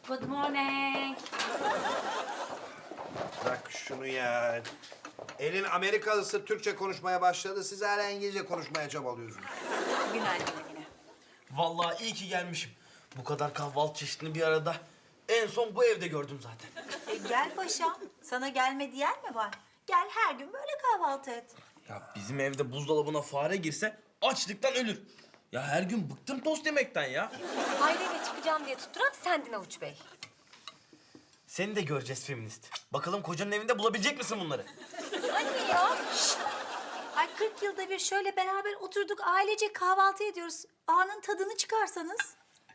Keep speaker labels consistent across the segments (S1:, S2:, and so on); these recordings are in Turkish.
S1: Good morning.
S2: Bırak şunu ya. Elin Amerikalısı Türkçe konuşmaya başladı. Siz hala İngilizce konuşmaya çabalıyorsunuz.
S1: Günaydın yine.
S3: Vallahi iyi ki gelmişim. Bu kadar kahvaltı çeşidini bir arada en son bu evde gördüm zaten.
S4: Gel paşam. Sana gelme diyen mi var? Gel her gün böyle kahvaltı et.
S3: Ya bizim evde buzdolabına fare girse açlıktan ölür. Ya her gün bıktım tost yemekten ya.
S1: Aileyle çıkacağım diye tutturan sendin Avuç Bey.
S3: Seni de göreceğiz feminist. Bakalım kocanın evinde bulabilecek misin bunları?
S1: Anne ya.
S4: Ay 40 yılda bir şöyle beraber oturduk ailece kahvaltı ediyoruz. Anın tadını çıkarsanız.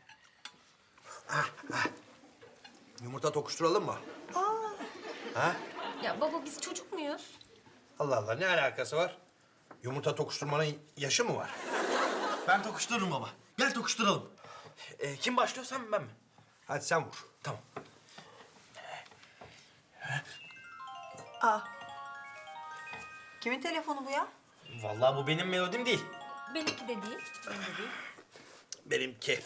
S2: Yumurta tokuşturalım mı? Ha?
S1: Ya baba biz çocuk muyuz?
S2: Allah Allah, ne alakası var? Yumurta tokuşturmanın yaşı mı var?
S3: Ben tokuştururum baba. Gel tokuşturalım. Kim başlıyor, sen mi ben mi?
S2: Hadi sen vur.
S3: Tamam.
S4: Aa. Kimin telefonu bu ya?
S3: Vallahi bu benim melodim değil.
S1: Benimki de değil.
S2: Benimki.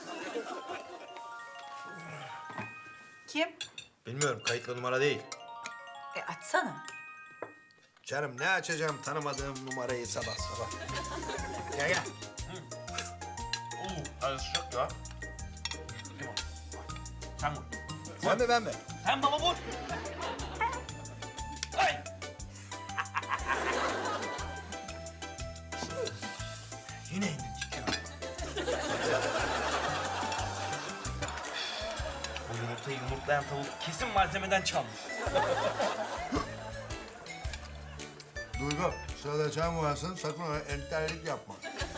S4: Kim?
S2: Bilmiyorum, kayıtlı numara değil.
S4: Açsana.
S2: Canım ne açacağım tanımadığım numarayı sabah sabah. Gel gel.
S3: Arası çok ya. Sen vur.
S2: Sen mi ben mi?
S3: Sen baba vur. Ay! Yine indin çıkıyor. Bu yumurtayı yumurtlayan tavuk kesin malzemeden çalmış.
S2: Duygu, sırada sen varsın, sakın öyle entellik yapma.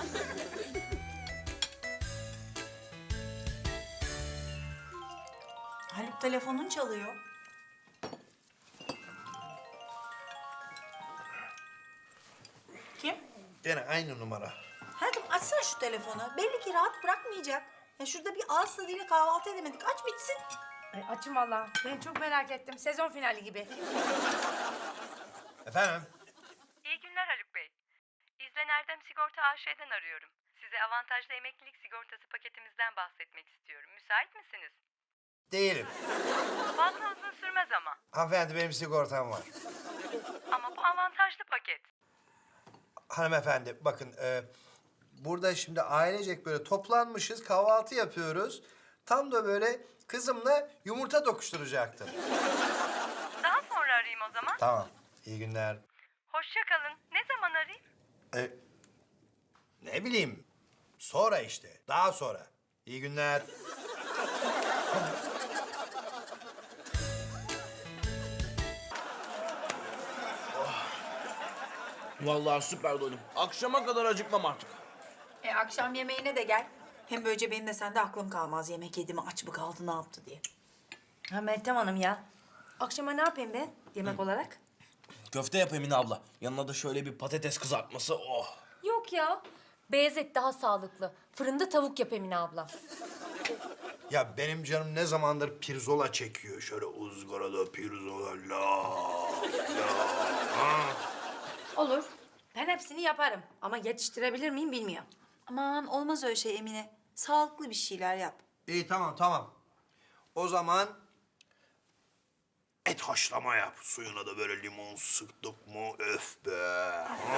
S4: Haluk telefonun çalıyor. Kim?
S2: Gene aynı numara.
S4: Hayatım açsana şu telefonu. Belli ki rahat bırakmayacak. Ya şurada bir ağız tadıyla kahvaltı edemedik. Aç bitsin.
S5: Ay açım valla. Ben çok merak ettim. Sezon finali gibi.
S2: Efendim?
S6: İyi günler Haluk Bey. İzlen Erdem Sigorta AŞ'den arıyorum. Size avantajlı emeklilik sigortası paketimizden bahsetmek istiyorum. Müsait misiniz?
S2: Değilim.
S6: Fazla uzun sürmez ama.
S2: Hanımefendi, benim sigortam var.
S6: Ama bu avantajlı paket.
S2: Hanımefendi, bakın burada şimdi ailecek böyle toplanmışız, kahvaltı yapıyoruz. Tam da böyle kızımla yumurta dokuşturacaktım.
S6: Daha sonra arayayım o zaman.
S2: Tamam, iyi günler.
S6: Hoşça kalın. Ne zaman arayayım?
S2: Ne bileyim, sonra işte, daha sonra. İyi günler.
S3: Vallahi süper doydum. Akşama kadar acıkmam artık.
S4: Akşam yemeğine de gel. Hem böylece benim de sende aklım kalmaz. Yemek yedi mi, aç mı kaldı, ne yaptı diye.
S5: Ha Meltem Hanım ya. Akşama ne yapayım ben yemek olarak?
S3: Köfte yap Emine abla. Yanına da şöyle bir patates kızartması. Oh.
S1: Yok ya. Beyaz et daha sağlıklı. Fırında tavuk yap Emine abla.
S2: Ya benim canım ne zamandır pirzola çekiyor. Şöyle ızgarada pirzola, la.
S5: Olur. Ben hepsini yaparım. Ama yetiştirebilir miyim bilmiyorum.
S4: Aman olmaz öyle şey Emine. Sağlıklı bir şeyler yap.
S2: İyi, tamam, tamam. O zaman et haşlama yap. Suyuna da böyle limon sıktık mı, öf be.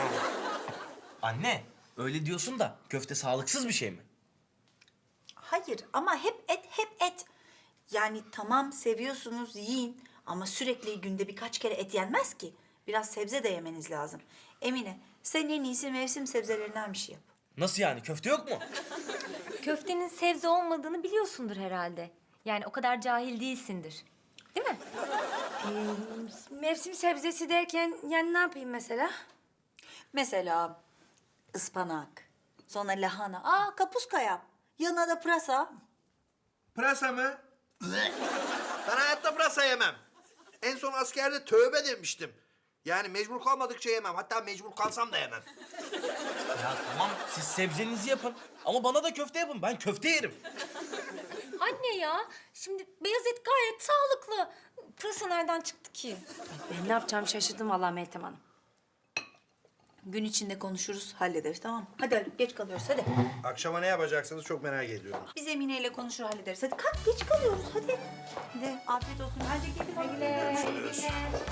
S3: Anne, öyle diyorsun da köfte sağlıksız bir şey mi?
S4: Hayır ama hep et, hep et. Yani tamam seviyorsunuz yiyin ama sürekli günde birkaç kere et yenmez ki. Biraz sebze de yemeniz lazım. Emine sen en iyisi mevsim sebzelerinden bir şey yap.
S3: Nasıl yani? Köfte yok mu?
S1: Köftenin sebze olmadığını biliyorsundur herhalde. Yani o kadar cahil değilsindir. Değil mi?
S5: Mevsim sebzesi derken yani ne yapayım mesela?
S4: Mesela ıspanak, sonra lahana, kapuska yap. Yanına da pırasa.
S2: Pırasa mı? Ben hayatta pırasa yemem. En son askerde tövbe demiştim. Yani mecbur kalmadıkça yemem. Hatta mecbur kalsam da yemem.
S3: Ya tamam, siz sebzenizi yapın. Ama bana da köfte yapın. Ben köfte yerim.
S1: Anne ya. Şimdi beyaz et gayet sağlıklı. Pırasa nereden çıktı ki?
S5: Ben ne yapacağımı şaşırdım vallahi Meltem Hanım.
S4: Gün içinde konuşuruz, hallederiz, tamam mı? Hadi Haluk, geç kalıyoruz, hadi.
S2: Akşama ne yapacaksınız çok merak ediyorum.
S4: Biz Emine ile konuşur, hallederiz. Hadi kalk, geç kalıyoruz, hadi. Hadi, afiyet olsun. Hadi gelin.
S2: Görüşürüz.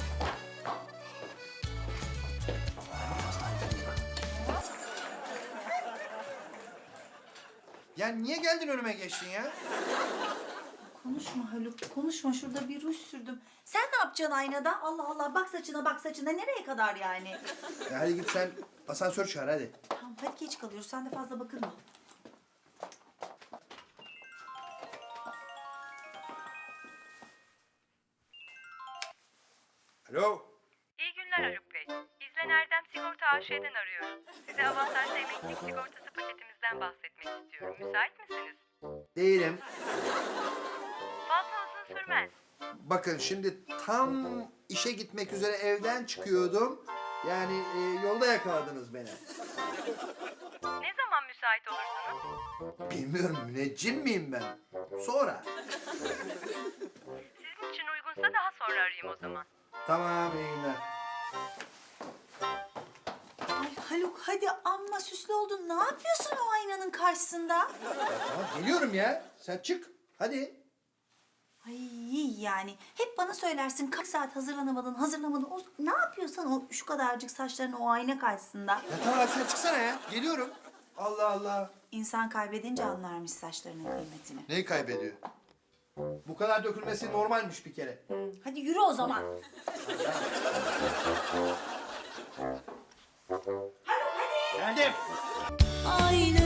S2: Ya niye geldin önüme geçtin ya?
S4: Konuşma Haluk, konuşma. Şurada bir ruj sürdüm. Sen ne yapacaksın aynada? Allah Allah, bak saçına, bak saçına. Nereye kadar yani?
S2: Ya hadi git sen asansör çağır hadi.
S4: Tamam, hadi geç kalıyoruz. Sen de fazla bakılma.
S2: Alo.
S6: İyi günler Haluk Bey. İzlen Erdem Sigorta AŞ'den arıyorum. Size avantajlı emeklilik sigortası paketimizden bahsetmek istiyorum. Müsait misiniz?
S2: Değilim.
S6: Fazla uzun sürmez.
S2: Bakın şimdi tam işe gitmek üzere evden çıkıyordum. Yani yolda yakaladınız beni.
S6: Ne zaman müsait olursunuz?
S2: Bilmiyorum müneccim miyim ben? Sonra.
S6: Sizin için uygunsa daha sonra arayayım o zaman.
S2: Tamam iyi günler.
S4: Ay Haluk, hadi amma süslü oldun. Ne yapıyorsun o aynanın karşısında?
S2: Tamam geliyorum ya. Sen çık. Hadi.
S4: Ay yani hep bana söylersin kaç saat hazırlamadın. O, ne yapıyorsan o şu kadarcık saçların o ayna karşısında.
S2: Ya tamam sen çıksana ya. Geliyorum. Allah Allah.
S4: İnsan kaybedince anlarmış saçlarının kıymetini.
S2: Neyi kaybediyor? Bu kadar dökülmesi normalmiş bir kere.
S4: Hadi yürü o zaman.
S2: Geldim.
S7: Aynı